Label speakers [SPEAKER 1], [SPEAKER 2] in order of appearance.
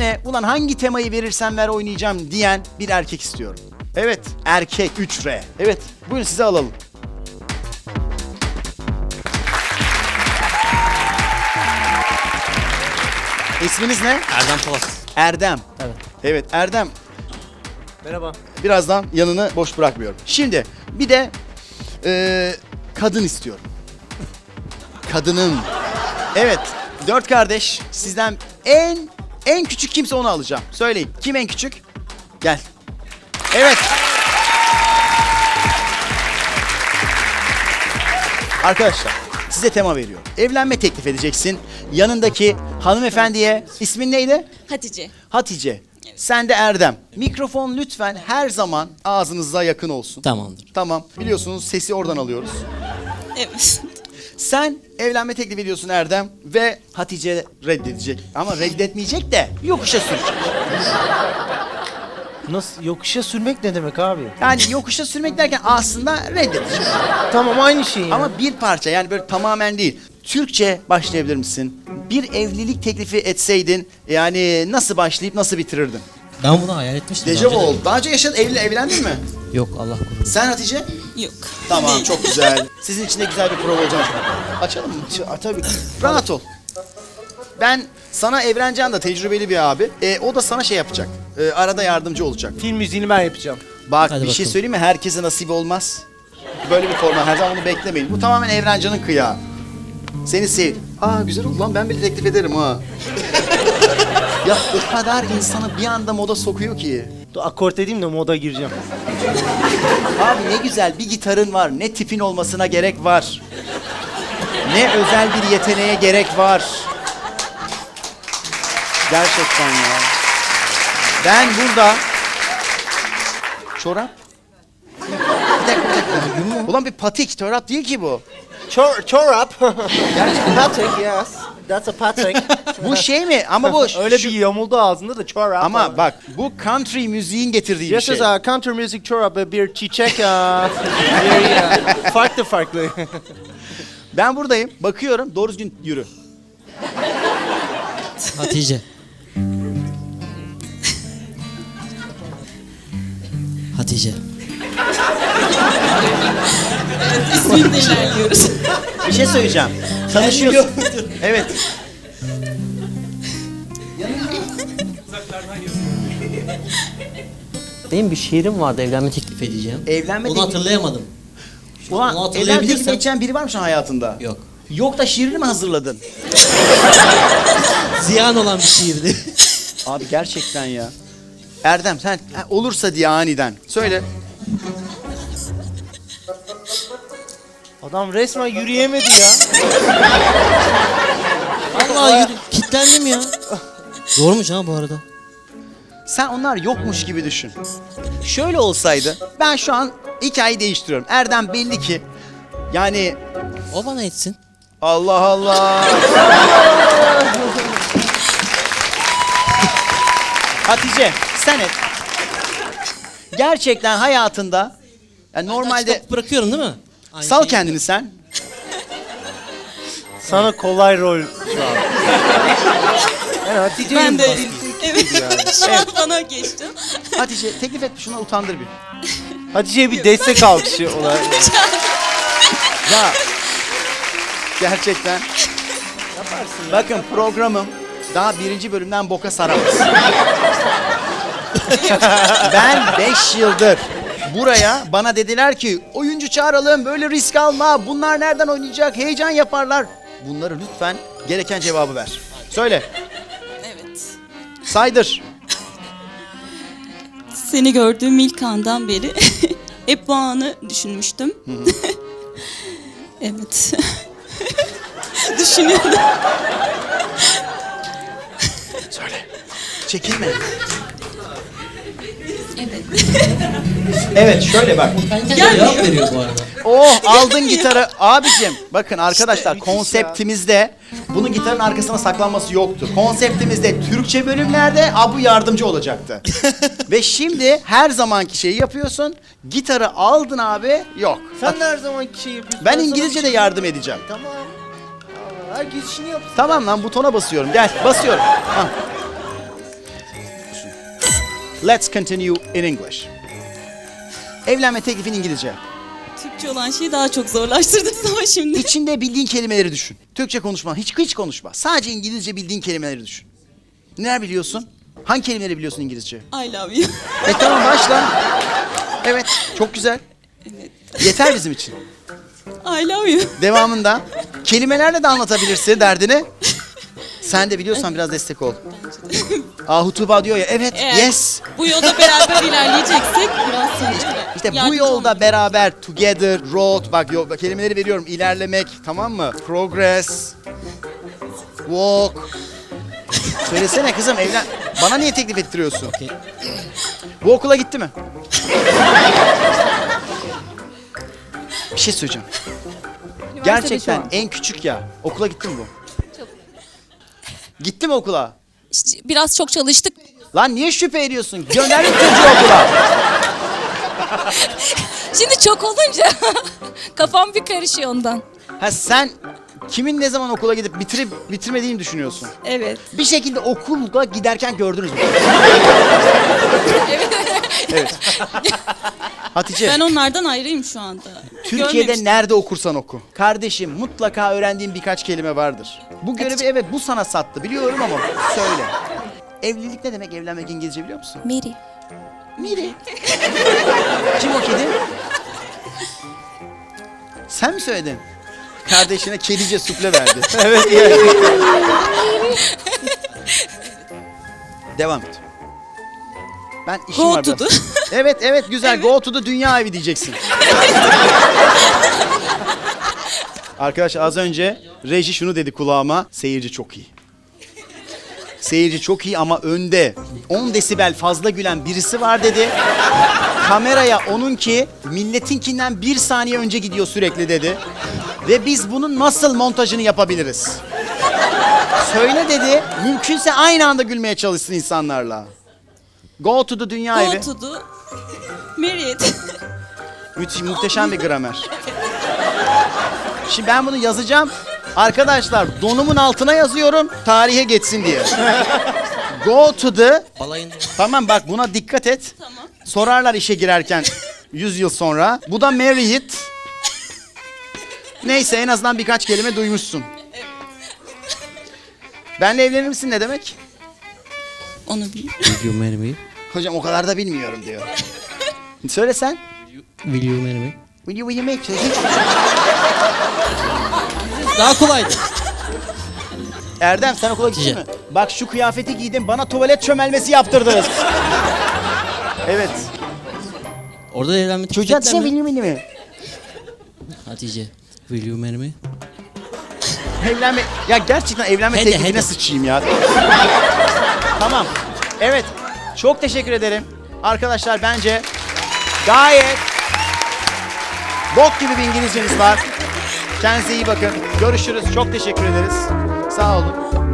[SPEAKER 1] birine ulan hangi temayı verirsen ver oynayacağım diyen bir erkek istiyorum. Evet, erkek 3R. Evet, buyurun size alalım. İsminiz ne?
[SPEAKER 2] Erdem Polat.
[SPEAKER 1] Erdem.
[SPEAKER 2] Evet.
[SPEAKER 1] Evet, Erdem.
[SPEAKER 2] Merhaba.
[SPEAKER 1] Birazdan yanını boş bırakmıyorum. Şimdi bir de kadın istiyorum. Kadının. Evet, 4 kardeş. Sizden en küçük kimse onu alacağım. Söyleyin. Kim en küçük? Gel. Evet. Arkadaşlar size tema veriyorum. Evlenme teklif edeceksin. Yanındaki hanımefendiye ismin neydi?
[SPEAKER 3] Hatice.
[SPEAKER 1] Hatice. Sen de Erdem. Mikrofon lütfen her zaman ağzınıza yakın olsun.
[SPEAKER 2] Tamamdır.
[SPEAKER 1] Tamam. Biliyorsunuz sesi oradan alıyoruz.
[SPEAKER 3] Evet.
[SPEAKER 1] Sen evlenme teklif ediyorsun Erdem ve Hatice reddedecek. Ama reddetmeyecek de yokuşa sürecek.
[SPEAKER 4] Nasıl? Yokuşa sürmek ne demek abi?
[SPEAKER 1] Yani yokuşa sürmek derken aslında reddedecek.
[SPEAKER 4] Tamam aynı şey ya.
[SPEAKER 1] Ama bir parça yani böyle tamamen değil. Türkçe başlayabilir misin? Bir evlilik teklifi etseydin yani nasıl başlayıp nasıl bitirirdin?
[SPEAKER 2] Ben bunu hayal etmiştim.
[SPEAKER 1] Dejavu
[SPEAKER 2] daha önce de.
[SPEAKER 1] oldu. Daha önce yaşadın, evlendin mi?
[SPEAKER 2] Yok Allah korusun.
[SPEAKER 1] Sen Hatice?
[SPEAKER 3] Yok.
[SPEAKER 1] Tamam
[SPEAKER 3] Değil.
[SPEAKER 1] çok güzel. Sizin için de güzel bir prova olacak. Açalım mı? Tabii. Rahat ol. Ben sana Evrencan da tecrübeli bir abi. O da sana şey yapacak. Arada yardımcı olacak.
[SPEAKER 4] Film müziğini ben yapacağım.
[SPEAKER 1] Bak
[SPEAKER 2] Hadi
[SPEAKER 1] bir şey
[SPEAKER 2] bakalım.
[SPEAKER 1] söyleyeyim mi? Herkese nasip olmaz. Böyle bir format. Her zaman bunu beklemeyin. Bu tamamen Evrencan'ın kıyağı. Seni sev. Aa güzel oldu lan ben bile teklif ederim ha. Ya o kadar insanı bir anda moda sokuyor ki.
[SPEAKER 4] Dur akort edeyim de moda gireceğim.
[SPEAKER 1] Abi ne güzel bir gitarın var. Ne tipin olmasına gerek var. Ne özel bir yeteneğe gerek var. Gerçekten ya. Ben burada... Çorap? Bir dakika. Ulan bir patik, çorap değil ki bu.
[SPEAKER 4] Çorap. Patrick yes. That's a Patrick.
[SPEAKER 1] Bu şey mi? Ama bu...
[SPEAKER 4] Öyle bir yamuldu ağzında da çorap.
[SPEAKER 1] Ama bak bu country müziğin getirdiği bir
[SPEAKER 4] Yes,
[SPEAKER 1] şey.
[SPEAKER 4] is a country music çorap bir çiçek. Farklı.
[SPEAKER 1] Ben buradayım, bakıyorum, doğru düzgün yürü.
[SPEAKER 2] Hatice. Hatice.
[SPEAKER 3] İsminle ilerliyoruz.
[SPEAKER 1] Bir şey söyleyeceğim. Tanışıyorsun. Evet.
[SPEAKER 2] Benim bir şiirim vardı evlenme teklif edeceğim.
[SPEAKER 1] Evlenme
[SPEAKER 2] Onu
[SPEAKER 1] teklifi-
[SPEAKER 2] hatırlayamadım.
[SPEAKER 1] Ulan
[SPEAKER 2] Onu
[SPEAKER 1] evlenme teklif
[SPEAKER 2] hatırlayabilirsem-
[SPEAKER 1] edeceğin biri var mı şu an hayatında?
[SPEAKER 2] Yok.
[SPEAKER 1] Yok da şiirini mi hazırladın?
[SPEAKER 2] Ziyan olan bir şiirdi.
[SPEAKER 1] Abi gerçekten ya. Erdem sen olursa diye aniden. Söyle.
[SPEAKER 4] Adam resmen yürüyemedi ya.
[SPEAKER 2] Vallahi kilitlendim ya. Doğrumuş ha bu arada.
[SPEAKER 1] Sen onlar yokmuş gibi düşün. Şöyle olsaydı ben şu an hikayeyi değiştiriyorum. Erdem belli ki yani
[SPEAKER 2] O bana etsin.
[SPEAKER 1] Allah Allah. Hatice sen et. Gerçekten hayatında yani normalde
[SPEAKER 2] Açık bırakıyorum değil mi? Aynı
[SPEAKER 1] sal
[SPEAKER 2] şeyi.
[SPEAKER 1] kendini sen.
[SPEAKER 4] Sana kolay rol şu an. Yani Hatice'nin
[SPEAKER 3] Ben de
[SPEAKER 4] basit.
[SPEAKER 3] evet. Şu an bana geçti.
[SPEAKER 1] Hatice teklif et şuna utandır bir.
[SPEAKER 4] Hatice'ye bir destek alkışı olarak.
[SPEAKER 1] Ya gerçekten. Bakın programım daha 1. bölümden boka saramaz. Ben 5 yıldır buraya bana dediler ki oyuncu çağıralım böyle risk alma bunlar nereden oynayacak heyecan yaparlar. Bunları lütfen gereken cevabı ver. Söyle
[SPEAKER 3] Evet.
[SPEAKER 1] saydır.
[SPEAKER 3] Seni gördüğüm ilk andan beri hep bu anı düşünmüştüm. Evet. Düşünüyordum.
[SPEAKER 1] Söyle. Çekinme.
[SPEAKER 3] Evet.
[SPEAKER 1] Evet şöyle bak.
[SPEAKER 2] Kendi kendine cevap veriyor bu arada.
[SPEAKER 1] Oh aldın gitarı. Abicim bakın arkadaşlar
[SPEAKER 4] müthiş ya.
[SPEAKER 1] konseptimizde bunun gitarın arkasına saklanması yoktu. Konseptimizde Türkçe bölümlerde Abu yardımcı olacaktı. Ve şimdi her zamanki şeyi yapıyorsun. Gitarı aldın abi yok.
[SPEAKER 4] Sen de her zamanki şey yapıyorsun.
[SPEAKER 1] Ben
[SPEAKER 4] sana
[SPEAKER 1] İngilizce
[SPEAKER 4] bir
[SPEAKER 1] de
[SPEAKER 4] şey-
[SPEAKER 1] yardım edeceğim.
[SPEAKER 4] Tamam. Aa, herkes işini yapsın.
[SPEAKER 1] Tamam lan butona basıyorum. Gel basıyorum. Hah. Let's continue in English. Evlenme teklifin İngilizce.
[SPEAKER 3] Türkçe olan şeyi daha çok zorlaştırdınız ama şimdi.
[SPEAKER 1] İçinde bildiğin kelimeleri düşün. Türkçe konuşma, hiç konuşma. Sadece İngilizce bildiğin kelimeleri düşün. Neler biliyorsun? Hangi kelimeleri biliyorsun İngilizce?
[SPEAKER 3] I love you.
[SPEAKER 1] Tamam başla. Evet, çok güzel. Yeter bizim için.
[SPEAKER 3] I love you.
[SPEAKER 1] Devamında kelimelerle de anlatabilirsin derdini. Sen de biliyorsan biraz destek ol. Ahu Tuğba diyor ya, evet,
[SPEAKER 3] Eğer
[SPEAKER 1] yes.
[SPEAKER 3] bu yolda beraber ilerleyeceksek biraz sonra.
[SPEAKER 1] İşte bu
[SPEAKER 3] yardımcı
[SPEAKER 1] yolda
[SPEAKER 3] olmak.
[SPEAKER 1] beraber, together, road, bak kelimeleri veriyorum. İlerlemek, tamam mı? Progress, walk. Söylesene kızım, evlen. Bana niye teklif ettiriyorsun?
[SPEAKER 2] Okey.
[SPEAKER 1] Bu okula gitti mi? Bir şey söyleyeceğim. Gerçekten en küçük ya. Okula gitti mi bu? Gitti mi okula?
[SPEAKER 5] İşte biraz çok çalıştık.
[SPEAKER 1] Lan niye şüphe ediyorsun? Gönderdik çocuğu okula.
[SPEAKER 5] Şimdi çok olunca kafam bir karışıyor ondan.
[SPEAKER 1] Ha sen kimin ne zaman okula gidip bitirmediğini düşünüyorsun?
[SPEAKER 5] Evet.
[SPEAKER 1] Bir şekilde okula giderken gördünüz mü? Evet. Hatice,
[SPEAKER 3] Ben onlardan ayrıyım şu anda.
[SPEAKER 1] Türkiye'de
[SPEAKER 3] Görmemiştim.
[SPEAKER 1] nerede okursan oku. Kardeşim, mutlaka öğrendiğin birkaç kelime vardır. Bu görevi evet bu sana sattı biliyorum ama söyle. Evlilik ne demek? Evlenmek İngilizce biliyor musun?
[SPEAKER 5] Mary.
[SPEAKER 1] Miri. Kim o kedi? Sen mi söyledin? Kardeşine kedice sufle verdi. Evet. Devam et. Ben işim
[SPEAKER 3] Go
[SPEAKER 1] var
[SPEAKER 3] to
[SPEAKER 1] biraz.
[SPEAKER 3] the.
[SPEAKER 1] Evet güzel. Go to the dünya evi diyeceksin. Arkadaş az önce reji şunu dedi kulağıma. Seyirci çok iyi. Seyirci çok iyi ama önde 10 desibel fazla gülen birisi var dedi. Kameraya onunki milletinkinden 1 saniye önce gidiyor sürekli dedi. Ve biz bunun nasıl montajını yapabiliriz? Söyle dedi. Mümkünse aynı anda gülmeye çalışsın insanlarla. Go to the dünya evi.
[SPEAKER 3] Go to the married.
[SPEAKER 1] Müthiş, muhteşem bir gramer. Şimdi ben bunu yazacağım. Arkadaşlar donumun altına yazıyorum tarihe geçsin diye. Go to the...
[SPEAKER 2] Balayında.
[SPEAKER 1] Tamam bak buna dikkat et.
[SPEAKER 3] Tamam.
[SPEAKER 1] Sorarlar işe girerken 100 yıl sonra. Bu da marry it. Neyse en azından birkaç kelime duymuşsun. Benle evlenir misin ne demek?
[SPEAKER 3] Onu bil.
[SPEAKER 2] Will you marry me?
[SPEAKER 1] Hocam o kadar da bilmiyorum diyor. Söyle sen.
[SPEAKER 2] Will you marry me?
[SPEAKER 1] Will you make
[SPEAKER 2] Daha kolaydı.
[SPEAKER 1] Erdem sen okula gittin mi?
[SPEAKER 2] Gideceğim.
[SPEAKER 1] Bak şu kıyafeti giydin bana tuvalet çömelmesi yaptırdınız. Evet.
[SPEAKER 2] Orada da evlenme
[SPEAKER 1] Çocuğa
[SPEAKER 2] teklif ettiler mi?
[SPEAKER 1] will mi?
[SPEAKER 2] Hatice. Will you marry me?
[SPEAKER 1] Evlenme... Ya gerçekten evlenme
[SPEAKER 2] Hadi,
[SPEAKER 1] teklifine
[SPEAKER 2] hadi.
[SPEAKER 1] sıçayım ya. Tamam. Evet. Çok teşekkür ederim. Arkadaşlar bence gayet bok gibi bir İngilizceniz var. Kendinize iyi bakın. Görüşürüz. Çok teşekkür ederiz. Sağ olun.